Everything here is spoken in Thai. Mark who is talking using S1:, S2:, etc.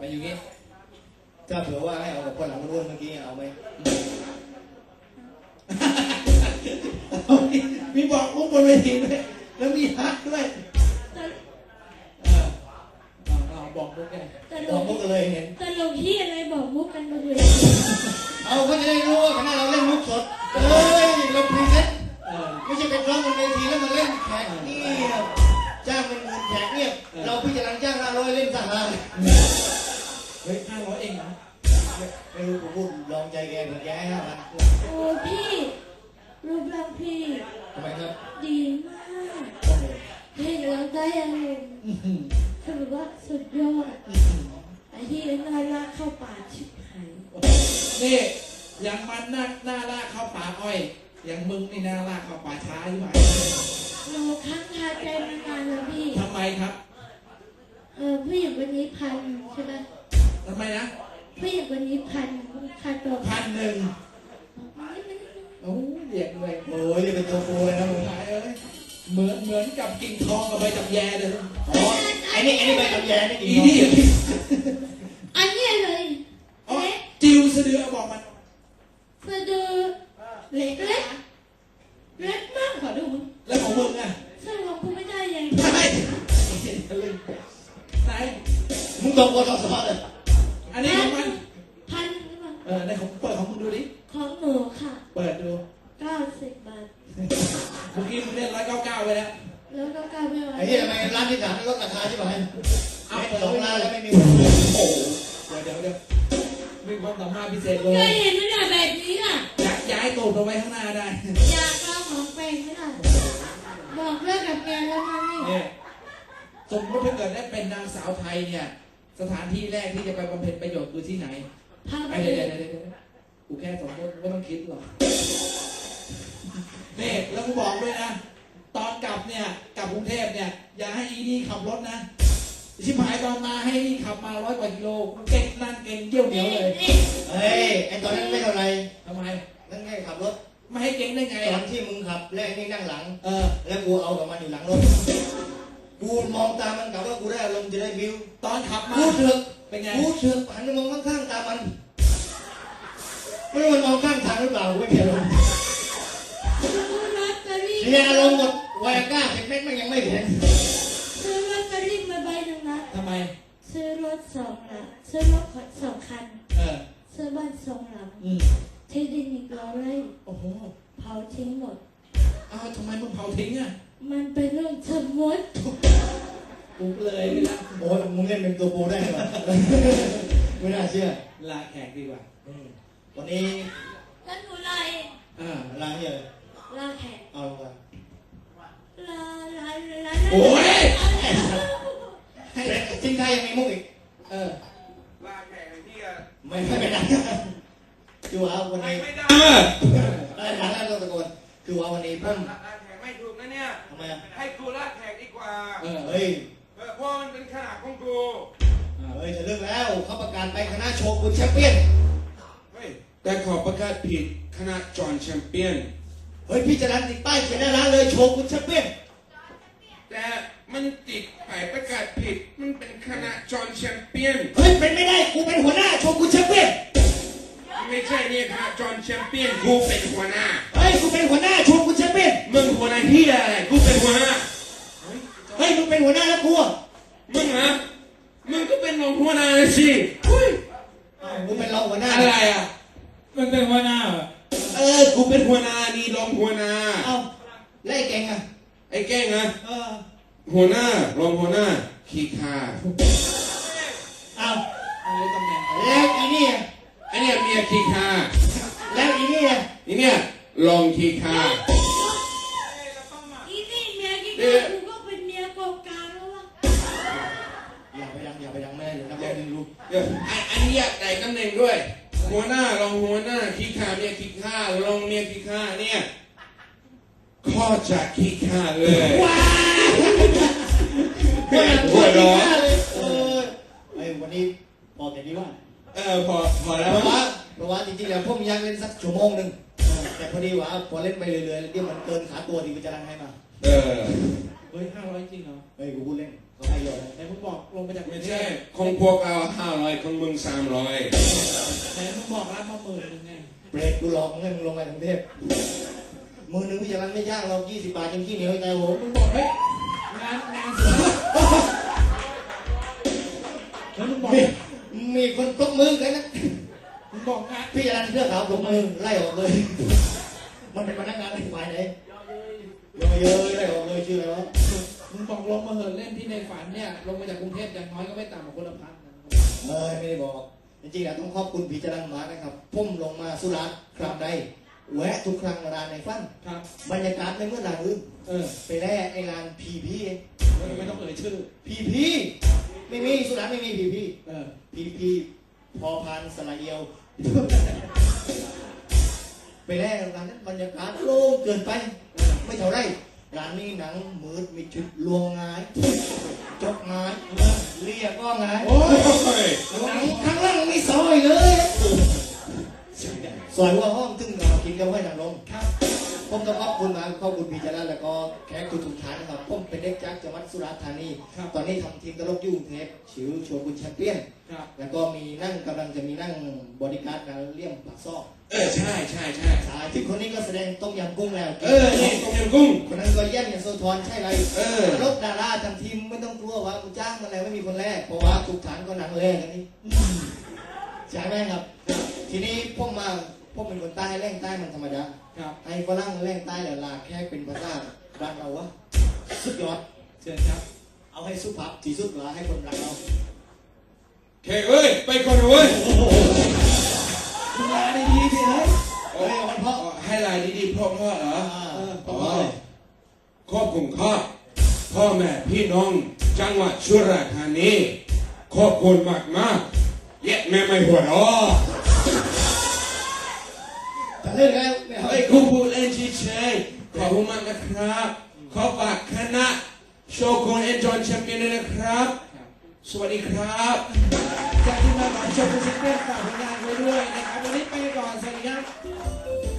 S1: มาอยู่งี้
S2: ถ้าเผื่อว่าให้เอากับคนหลังรุ่นเมื่อกี้เอาไหมมีบอกมุกบนเวทีด้วยแล้วมีฮักด้วย
S1: บอกมุกไง
S2: บอกมุกกันเลยเห็น
S3: ตลกที่อะไรบอกมุกกันมาเลย
S2: เอาก็จะได้รู้ว่าคณะเราเล่นมุกสดเฮ้ยเราพรีเซนต์ไม่ใช่เป็นร้องบนเวทีแล้วมาเล่นแขกนี่จ้างเป็นหมื่นแขกเนี่ยเราพิจารณาจ้าง500เล่นสั่งเลย
S1: เฮ้ย500เองนะ
S2: ไม่รู้ผมพูดลองใจแกผมแกให้5,000
S3: โอ้พี่รูปร่างพี่
S2: ทำไมครับ
S3: ดีมากเห็นเราได้อะไรคือแบบว่าสุดยอดไอ้ที่น่ารักเข้าป่าชิบหาย
S1: นี่อย่างมันน่าลากเข้าป่าอ้อยอย่างมึงนี่น่าลากเข้าป่าช้าใช่ไหม
S3: เราค้างคาใจมานานแล้วพี่
S1: ทำไมครับ
S3: ผู้หญิงวันนี้พันใช่ไหม
S1: ทำไมนะ
S3: ผู้หญิงวันนี้พันค่าตัว
S1: 1,000โอ้เรียกเลย
S2: โอ้ยเรียกเป็นตัวโกเลยนะมึง
S1: เหมือนกับกิ่งทองกับใบจับแยเลย
S2: อ๋อไอ้นี่ใบจับแยนี่กิ่งทอง
S3: อันนี้เลย
S1: จิวสะดือบอกมัน
S3: สะดือเล็กมากขอดูมึง
S1: แล้วของมึงอ่ะ
S3: ซึ่งของกูไม่ได้ยัง
S1: ไหน
S2: มึงตรงกว่าสอเลย
S1: อันนี้ของมัน
S3: พัน
S1: ในของเปิดของมึงดูดิ
S3: ของหนูค่ะ
S1: เปิดดู
S3: 90 บาท
S1: เมื่อกี้มึงเล่น199ไปแล้ว
S3: 199ไม่ไหว
S2: ไอ้ที่ทำไมร้านที่3ลดราคาใช่ไหมเอา2 ร้านแล้วไม่มี
S1: โอ้เดี๋ยวมีความสามารถพิเศษเลย
S3: เคยเห็นไหมเนี่ยแบบนี้อ่ะ
S1: ย้ายตูดเอาไว้ข้างหน้าได้
S3: อยากลองของแปลงไหมล่ะบอกเลิกกับแกแล้วนะนี่
S1: สมมติถ้าเกิดได้เป็นนางสาวไทยเนี่ยสถานที่แรกที่จะไปบำเพ็ญประโยชน์คือที่ไหนเดี๋ยวกูแค่สมมติไม่ต้องคิดหรอกนี่แล้วกูบอกด้วยนะตอนกลับเนี่ยกลับกรุงเทพเนี่ยอย่าให้อีนี่ขับรถนะชิบหายตอนมาให้นี่ขับมา100 กว่ากิโลเก่งนั่นเก่งเยี่ยวเหนียวเลย
S2: เฮ้ยไอตอนนั้นไม่เท่าไร
S1: ทำไม
S2: นั่นแค่ขับรถ
S1: ไม่ให้เก่งได้ไง
S2: ตอนที่มึงขับแล้วนี่นั่งหลังแล้วกูเอากับมันอยู่หลังรถกูมองตามันกะว่ากูได้อารมณ์จะได้วิว
S1: ตอนขับมา
S2: กูเถือก
S1: เป็นไง
S2: กูเถือกหันไปมองข้างๆตามันไม่รู้มันมองข้างทางหรือเปล่าไม่เห็นเลยเสียอารมณ์หมดวายก้า10 เม็ดมันยังไม่เห็น
S3: ซื้อลอตเตอรี่มาใบหนึ่งนะ
S1: ทำไม
S3: ซื้อรถ2 นะซื้อรถ2 คันซื้อบ้าน2 หลังที่ดิน100 ไร่
S1: โอ้โห
S3: เผาทิ้งหมด
S1: ทำไมมึงเผาทิ้งอ่ะ
S3: มันเป็นเรื่องสมมติ
S1: กูเลยนะ
S2: โอ้ยมึงเล่นเป็นตัวโปได้ไหมไม่น่าเชื่อ
S1: ลาแขกดีกว่า
S2: วันนี้
S3: แล้วหนูลาเอง
S2: ลาเฮีย
S3: ลาแขก
S2: เอาลงมา
S3: ลา
S1: โอ้ย
S2: จริงไทยยังมีมุกอีก
S4: ลาแขกที่
S2: ไม่ได้คือว่าวันนี้ได้หลังแล้วเราตะโกนคือว่าวันนี้พุ่ม
S4: ลาแขกไม่ถูกนะเนี่ย
S2: ทำไม
S4: ให้กูลาแขกดีกว่า
S2: เฮ้ย
S4: เพราะมันเป็นขนาดของกู
S2: เฮ้ยจะเลิกแล้วเขาประกาศไปคณะโชกุนแชมเปี้ยน
S4: แต่ขอประกาศผิดคณะจอห์นแชมเปี้ยน
S2: เฮ้ยพี่จะรันติดป้ายเขียนหน้าร้านเลยโชกุนแชมเปี้ยน
S4: แต่มันติดป้ายประกาศผิดมันเป็นคณะจอห์นแชมเปี้ยน
S2: เฮ้ยเป็นไม่ได้กูเป็นหัวหน้าโชกุนแชมเปี้ยน
S4: ไม่ใช่เนี่ยคณะจอห์นแชมเปี้ยนกูเป็นหัวหน้า
S2: เฮ้ยกูเป็นหัวหน้าโชกุนแชมเปี้ยน
S4: มึงหัวหน้าที่อะไรกูเป็นหัวหน้า
S2: เฮ้ยมึงเป็นหัวหน้าแล้วกู
S4: มึงเหรอมึงก็เป็นรองหัวหน้าสิ
S2: กูเป็นรองหัวหน้า
S1: อะไรอ่ะมันเป็นหัวหน้า
S4: กูเป็นหัวหน้านี่รองหัวหน้า
S2: เอ้าแล้วไอ้เก่งอ่ะ
S4: ไอ้เก่งอ่ะหัวหน้ารองหัวหน้าขี้ข้า
S2: เอ้า
S1: อะไรตำแหน่ง
S2: แล้วอีนี่
S4: ไอ้เนี่ยเมียขี้ข้า
S2: แล้วอีนี่
S4: เนี่ยรองขี้ข้า
S3: อีนี่เมียขี้ข้ากูก็เป็นเมียกองกลางแล้ววะ
S2: อย่าไปดังแม่เลยนะพ่อดึงลูก
S4: อันนี้อยากได้ตำแหน่งด้วยหัวหน้ารองหัวหน้าขี้ข้าเมียขี้ข้ารองเมียขี้ข้าเนี่ยข้อจากขี้ข้าเลย
S2: ว้าว
S4: หัวร้อน
S2: ไอ้วันนี้พอแต่นี้ว่า
S4: พอแล้ว
S2: เพราะว่าจริงๆแล้วผมอยากเล่นสักชั่วโมงนึงแต่พอดีว่าพอเล่นไปเรื่อยๆเดี๋ยวมันเกินขาตัวที่วิจารณ์ให้มา
S1: เฮ้ย500จริงเหรอ
S2: เฮ้ยกูพูดเล่นเขาให้เยอะนะ
S1: ไหนมึงบอกลงมาจาก
S4: ไม่ใช่ของพวกเรา500ของมึง300
S1: ไหนมึงบอกรับมา10,000ไง
S2: เบรกกูหลอกมึงให้มึงลงไปกรุงเทพมือหนึ่งพี่จะรันไม่ยากเรา20 บาทจนขี้เหนียวใจโห
S1: มึงบอกเฮ้ยงานเสร็จแล้วมึงบอก
S2: มีคนตบมือกันนะ
S1: มึงบอกงาน
S2: พี่จะรันเสื้อขาวตบมือไล่ออกเลย มันเป็นพนักงานอะไรฝ่ายไหนเยอะไล่ออกเลยชื่ออะไรวะ
S1: มึงบอกลงมาเหินเล่นที่ในฝันเนี่ยลงมาจากกรุงเทพอย่างน้อยก็ไม่ต่ำกว่าคนละพันนะ
S2: ไม่ได้บอกจริงๆนะต้องขอบคุณพี่จรันมานะครับพุ่มลงมาสุราษฎร์ครั้งใดแวะทุกครั้งร้านในฝัน
S1: ครับ
S2: บรรยากาศไม่เหมื่อนร้านอื่น ไปแล่ไอ้ร้านพีพีเอง
S1: ไม่ต้องเอ่ยชื่อ
S2: พีพีไม่มีสุราษฎร์ไม่มีพีพี
S1: เออ
S2: พีพีพอพันสลายเอียว ไปแล่ร้านนั้นบรรยากาศโล่งเกินไป ไม่เท่าไรร้านนี้หนังมืดมีจุดลวงงายจกงายเรียกก็งาย
S4: โอ้ย
S2: หนังข้างล่างไม่ซอยเลยซอยหัว่าห้องตึ้งเรากินกันไว้หนังลง
S1: ครับ
S2: ผมต้องขอบคุณมาขอบคุณพี่จรัญแล้วก็แขกทุกๆท่านนะครับผมเป็นเด็กจากจังหวัดสุราษฎร์ธานี
S1: ครับ
S2: ตอนนี้ทำทีมตลกอยุ่กรุงเทพชื่อชวนคุณแชมเปี้ยน
S1: ครับ
S2: แล้วก็มีนั่งกำลังจะมีนั่งบริการการเลี่ยมปากซอก
S4: ใช่ใช่ใช่
S2: สายที่คนนี้ก็แสดงต้มยำกุ้งแล้ว
S4: นี่ต้มยำกุ้ง
S2: คนนั้นก็แย่งอย่างโซทอนใช่ไร
S4: อ
S2: รถดาราทำทีมไม่ต้องกลัวว่ากูจ้างมาแล้วไม่มีคนแรกเพราะว่าทุกฐานก็หนังแรกกันนี่ใช่ไหมครับ ทีนี้พวกเป็นคนใต้แรงใต้มันธรรมดา
S1: ครับ
S2: ไอ้ฝรั่งแรงใต้แหละลาแค่เป็นภาษาบ้านเราวะสุดยอด
S1: เชิญครับ
S2: เอาให้สุภาพที่สุดละให้คนรักเรา
S4: เคเอ้ยไปก่อนนะเว้ย
S1: มึงลาได้ดีสิเฮ้ย
S2: เฮ้ยวันพ่อ
S4: ให้ลายดีๆพ่อเหรอ
S1: ต่อไป
S4: ขอบคุณครับพ่อแม่พี่น้องจังหวัดสุราษฎร์ธานีขอบคุณมากๆแย่แม่ไม่หัวเราะ
S2: จะเล่นแล้วไม่เอา
S4: เฮ้ยกูพูดเล่นเฉยๆขอบคุณมากนะครับ ขอฝากคณะโชกุนเอ็นจอนแชมเปี้ยนด้วยนะครับ สวัสดีครับ
S1: จากที่มาก่อนชมคุณซิงเกิลฝากผลงานไว้ด้วยนะครับวันนี้ไปก่อนสวัสดีครับ